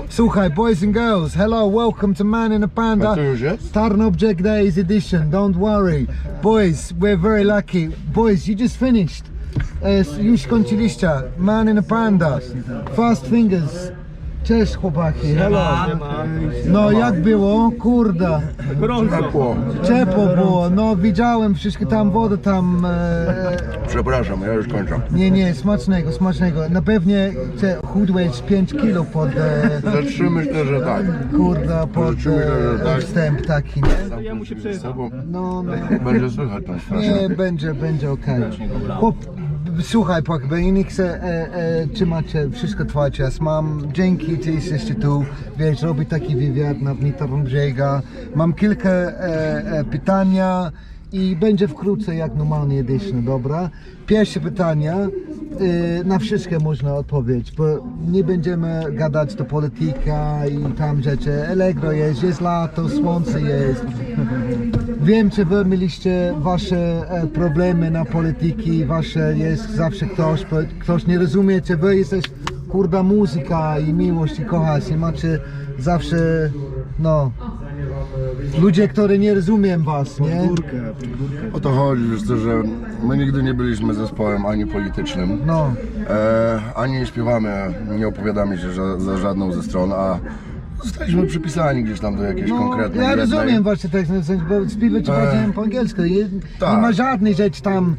Słuchaj, boys and girls, hello, welcome to Man in a Panda. A to już jest? Tarn Object Days edition, don't worry. Boys, we're very lucky. Boys, you just finished. Już skończyliście. Man in a Panda. Fast Fingers. Cześć chłopaki, hello. No jak było? Kurde. Ciepło. Ciepło było, no widziałem wszystkie tam wodę tam. Przepraszam, ja już kończę. Nie, smacznego, smacznego. Na pewnie chudłeś 5 kilo pod... Za 3 myślę, że tak. Kurde, pod tak. wstęp taki. Ja mu się przyznam. No. Będzie słychać tam strasznie. Nie, będzie okej. Chłop, słuchaj, bo ja nie chcę trzymać wszystko twój czas. Mam dzięki, że jesteście tu, wiesz, robię taki wywiad na Tarn Brzega. Mam kilka pytania i będzie wkrótce jak normalnie edition, dobra? Pierwsze pytania, na wszystkie można odpowiedzieć, bo nie będziemy gadać do polityka i tam rzeczy. Allegro jest lato, słońce jest. Wiem, że wy mieliście wasze problemy na polityki, wasze jest zawsze ktoś nie rozumie, czy wy jesteś kurda muzyka i miłość i kochasz i macie zawsze, no, ludzie, którzy nie rozumiem was, nie? O to chodzi, wiesz co, że my nigdy nie byliśmy zespołem ani politycznym, No. ani nie śpiewamy, nie opowiadamy się za żadną ze stron, a zostaliśmy przypisani gdzieś tam do jakiejś konkretnej ja jednej. rozumiem właśnie tak, bo śpiewać bardziej po angielsku, nie tak. ma żadnej rzeczy tam,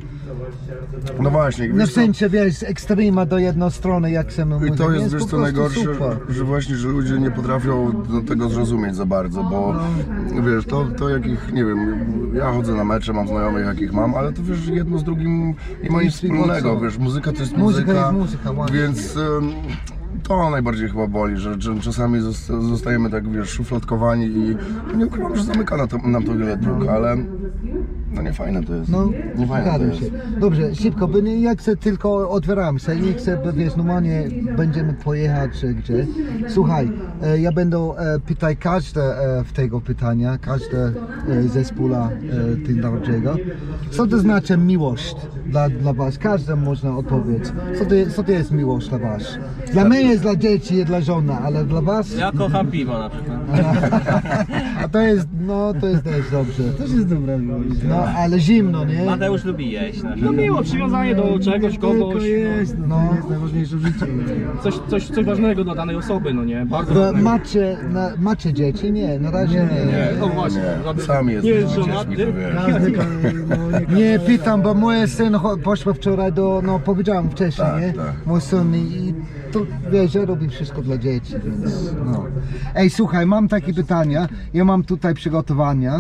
No właśnie, no wiesz w co, sensie, wiesz, ekstrema do jednej strony, jak się mówi. i to jest, po wiesz co prostu najgorsze, super. że właśnie, że ludzie nie potrafią do tego zrozumieć za bardzo, bo wiesz, to jakich, nie wiem, ja chodzę na mecze, mam znajomych jakich mam, ale to wiesz, jedno z drugim nie ma nic wspólnego, wiesz, muzyka to jest Muzyka muzyka, jest muzyka, właśnie. więc to najbardziej chyba boli, że czasami zostajemy tak, wiesz, szufladkowani i nie ukrywam, że zamyka nam to wiele dróg, ale no nie fajne to jest, No, nie fajne to zgadzam jest. się. Dobrze, szybko, bo ja chcę tylko otwieramy się, nie chcę, bo wiesz, normalnie będziemy pojechać gdzie. Słuchaj, ja będę pytać każde w tego pytania, każde zespół Tarnowego. Co to znaczy miłość dla was? Każdy można odpowiedzieć. Co to jest miłość dla was? Dla mnie jest dla dzieci i dla żony, ale dla was? Ja kocham piwo na przykład. A to jest, no to jest też dobrze. Też jest dobra miłość. No, ale zimno, nie? Mateusz lubi jeść na przykład. No miło, przywiązanie do czegoś, Tylko kogoś. jest, no, No. to jest najważniejsze w życiu. Coś ważnego dla danej osoby, no nie? Bardzo Bo ważnego. macie dzieci? Nie, na razie nie. Nie, No właśnie, nie, sami nie jest jesteśmy żonaty. dziećmi, to wiesz. Każdy, no, Nie pytam, bo mój syn poszedł wczoraj do, no powiedziałem wcześniej, Tak, nie? tak. Mój syn i to wiesz, ja robię wszystko dla dzieci, więc no. Ej, słuchaj, mam takie pytania, ja mam tutaj przygotowania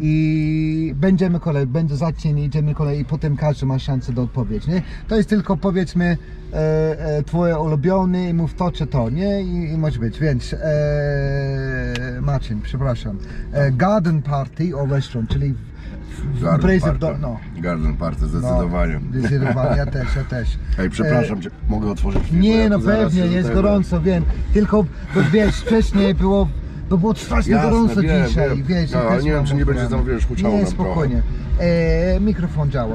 i będziemy zacznie, idziemy kolej i potem każdy ma szansę do odpowiedzi, nie? To jest tylko powiedzmy twoje ulubione i mów to czy to, nie? I może być, więc Marcin, przepraszam, garden party or restaurant, czyli imprezy w domu, no. Garden Party, zdecydowanie. No, zdecydowanie, ja też. Ej, przepraszam cię, mogę otworzyć film? Nie, Ja no tu zaraz pewnie, się jest tutaj- gorąco, wiem. Tylko, bo wiesz, wcześniej było strasznie Jasne, gorąco wiem, dzisiaj, wiem. wiesz. No, ja ale też nie wiem, mam czy nie będzie problem. tam, wiesz, huczało Nie, nam spokojnie. Mikrofon działa.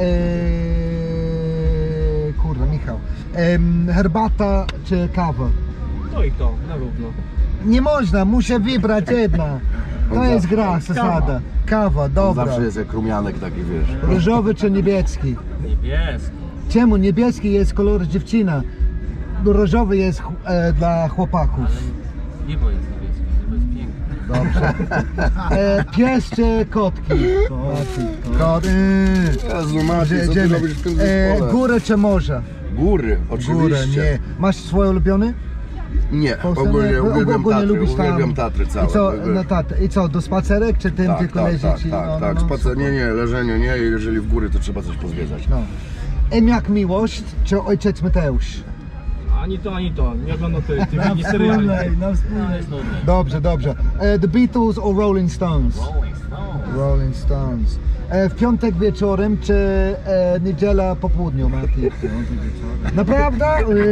Kurde, Michał. Herbata czy kawa? To i to, na równo. Nie można, muszę wybrać jedna. To On jest zawsze- gra, zasada. Kawa, dobra. Zawsze jest jak rumianek taki, wiesz. Różowy czy niebieski? Niebieski. Czemu niebieski jest kolor dziewczyna? Różowy jest dla chłopaków. Niebo jest niebieskie, niebo jest piękne. Dobrze. Pies czy kotki? Kot. Jezu Maciej, co ty Jedziemy. robisz w tym zespole? Górę czy morze? Góry, oczywiście. Górę, nie. Masz swoje ulubione? Nie, Polsce? ogólnie Nie, uwielbiam Tatry, lubisz tam. uwielbiam Tatry całe. I co, no, I co, do spacerek czy tym tak, tylko tak, leżeć? tak, i- tak, no, tak, no, spacer, nie, leżenie nie, jeżeli w góry to trzeba coś pozwiedzać. No. Jak miłość czy ojciec Mateusz? Ani to, nie oglądam tych mini seriali. Wspólnej, na wspólnej. jest nudne. Dobrze. The Beatles or Rolling Stones? Rolling Stone. Rolling Stones. W piątek wieczorem czy niedziela po południu, Mati? Naprawdę?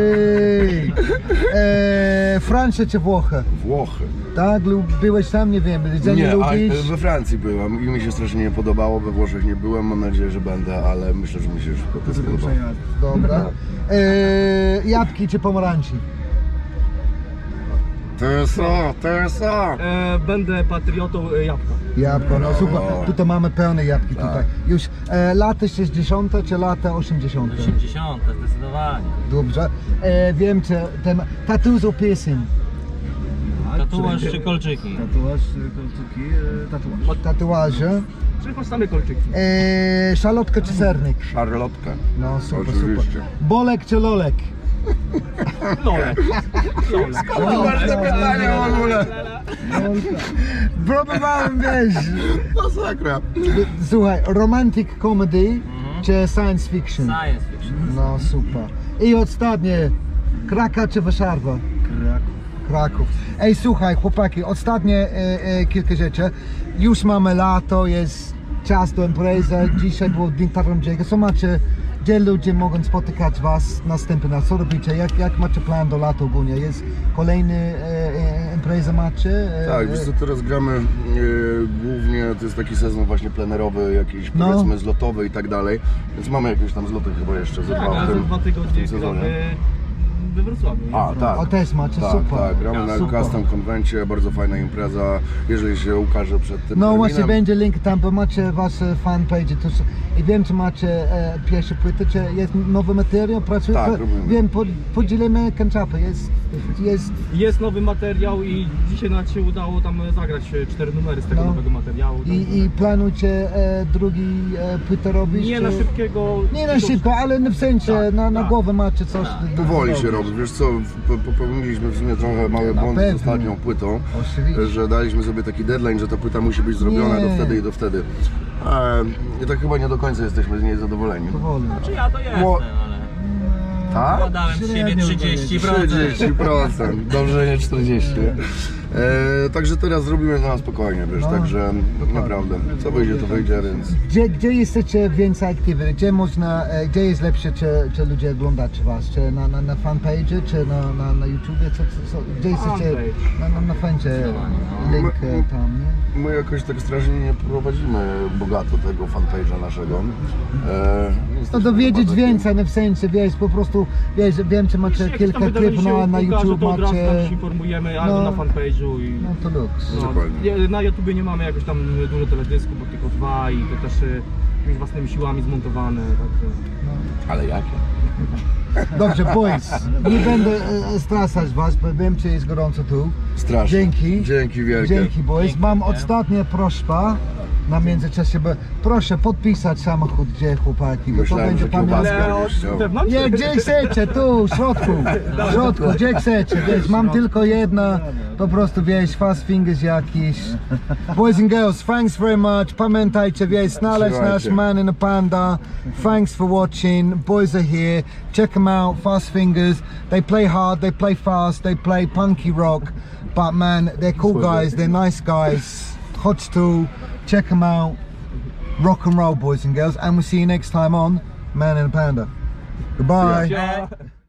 Francja czy Włochy? Włochy. Tak? Byłeś tam? Nie wiem. Jedzenie Nie, lubisz? we Francji byłem i mi się strasznie nie podobało, we Włoszech nie byłem, mam nadzieję, że będę, ale myślę, że mi się już to spodoba. Dobra. Jabłki czy pomarańczy? TSA! Będę patriotą jabłka. Jabłko, no super. Tutaj mamy pełne jabłki Tak. tutaj. Już lata 60. czy lata 80. 80 zdecydowanie. Dobrze. Wiem, czy ten tattoos or piercing? Tatuaż czy kolczyki? Tatuaż, kolczyki, tatuaż. Tatuaże. Czyli masz same kolczyki. Szalotka czy sernik? Szarlotka. No super, Oczywiście. super. Bolek czy lolek? Lolek. Ważne pytanie w ogóle. Próbowałem, wiesz. Masakra. Słuchaj, romantic comedy czy science fiction? Science fiction. No super. I ostatnie, Kraka czy Warszawa? Kraków. Ej, słuchaj, chłopaki, ostatnie kilka rzeczy. Już mamy lato, jest czas do imprezy. Dzisiaj był Dzień Tarnobrzega. Co macie, gdzie ludzie mogą spotykać was następny raz? Co robicie? Jak macie plan do lata ogólnie? Jest kolejny impreza macie? Tak, wiesz co, teraz gramy głównie, to jest taki sezon właśnie plenerowy, jakiś No. powiedzmy zlotowy i tak dalej, więc mamy jakieś tam zloty chyba jeszcze ze Tak, dwa a w za tym, 2 w tygodnie tym sezonie. gramy we Wrocławiu. A, tak. O, też macie, tak, super. Tak, gramy na Super. Custom Konwencie, bardzo fajna impreza, jeżeli się ukaże przed tym No terminem. właśnie, będzie link tam, bo macie wasze fanpage i wiem, czy macie pierwsze płyty, czy jest nowy materiał, pracujecie? Tak, robimy. Wiem, podzielimy kanciapy, jest Jest nowy materiał i dzisiaj nawet się udało tam zagrać 4 numery z tego No. nowego materiału. i planujecie drugi płytę robić? Nie czy... na szybkiego. Nie na szybko, ale w sensie Tak, na tak. głowę macie coś. Powoli się robi, wiesz co, popełniliśmy w sumie trochę mały błąd z pewno. ostatnią płytą, Oczywiście. że daliśmy sobie taki deadline, że ta płyta musi być zrobiona Nie. do wtedy i do wtedy. I tak chyba nie do końca jesteśmy z niej zadowoleni. Powoli. Czy ja to jestem, Bo- ale Tak? podałem z siebie Średnio 30%. 30%, dobrze nie 40. Także teraz zrobimy to na spokojnie, wiesz, No, także naprawdę, co wyjdzie to wyjdzie, więc Gdzie jesteście więcej aktywni? Gdzie można, gdzie jest lepsze, czy ludzie oglądacie was? Czy na fanpage, czy na YouTubie? Gdzie jesteście? Na fancie link tam, nie? my jakoś tak strasznie nie prowadzimy bogato tego fanpage'a naszego. To dowiedzieć więcej, no w sensie, wiesz, po prostu, wiesz, wiem, czy macie kilka klipów na YouTube, to od razu tam macie... się informujemy, No. albo na fanpage'u i... No to luks. Dokładnie. Na YouTubie nie mamy jakoś tam dużo teledysku, bo tylko 2 i to też jakimiś własnymi siłami zmontowane, także... Ale jakie? Dobrze, boys, nie będę strasać was, bo wiem, czy jest gorąco tu. Strasznie. Dzięki. Dzięki wielkie. Dzięki, boys. Mam ostatnia prośba na międzyczasie, bo proszę podpisać samochód, gdzie chłopaki, bo to Myślałem, będzie że kiełbaskę. pamiątka. Ale byś chciał. od wewnątrz? Nie, gdzie chcecie, tu, w środku, gdzie chcecie, wiesz, mam tylko jedna, po prostu, wiesz, fast fingers jakiś. Boys and girls, thanks very much, pamiętajcie, wiesz, znaleźć nasz Trzymajcie. Man in a Panda, thanks for watching, boys are here, check them out, Fast Fingers, they play hard, they play fast, they play punky rock, but man, they're cool guys, they're nice guys, hot tool, check them out, rock and roll, boys and girls, and we'll see you next time on Man in a Panda. Goodbye. Ja.